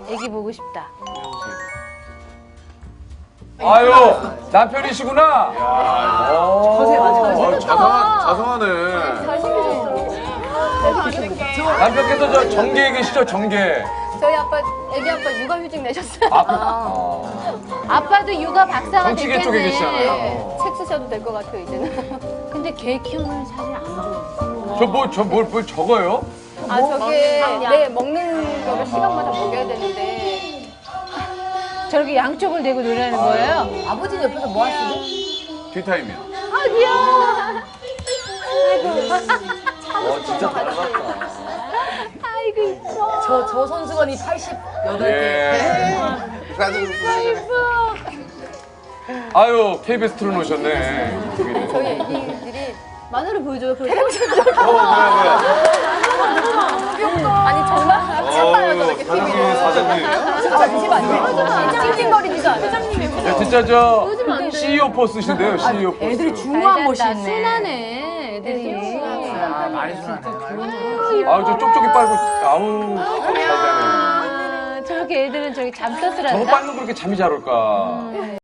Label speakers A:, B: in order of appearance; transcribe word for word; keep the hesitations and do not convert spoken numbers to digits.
A: 애기 보고 싶다.
B: 아유, 남편이시구나.
C: 거세 맞아.
D: 아, 자상하, 자상하네.
B: 남편께서 저 정계에 계시죠, 정계.
E: 저희 아빠, 애기 아빠 육아휴직 내셨어요.
B: 아,
A: 아빠도 육아 박사가
B: 정치계
A: 됐겠네.
B: 쪽에 계시잖아요.
E: 책 쓰셔도 될 것 같아요, 이제는.
A: 근데 개 키우는 사진 안 보여.
B: 저 뭐, 저 뭘, 뭘 적어요?
E: 아, 저게, 네, 먹는 거를 시간마다 먹여야 되는데.
A: 저렇게 양쪽을 대고 노래하는 거예요?
C: 아버지는 옆에서 뭐 하시니?
D: 뒷타임이야.
A: 아, 귀여워.
D: 와, 진짜 닮았다.
A: 아이고, 이뻐.
C: 저, 저 선수건이 팔십팔 개.
B: 예. 아유, 케이비에스 틀어놓으셨네.
E: 저희 애기들이.
C: 마늘을 보여줘요. 그
D: 어, 뭐야, 뭐야.
E: 아니, 정말.
D: 어우, 사장님, 사장님.
E: 잠시만요. 찡찡거리지도 않아요. 회장님이
B: 야, 진짜 저 씨이오 포스신데요, 씨이오 포스.
C: 애들이 중후한 멋이 있네.
A: 순하네, 애들이.
F: 아, 많이 순하네.
B: 아유, 저 쪽쪽이 빨고, 아우, 잘 자네.
A: 아, 저렇게 애들은 저기 잠
B: 저거
A: 떴더란다.
B: 빨면 그렇게 잠이 잘 올까.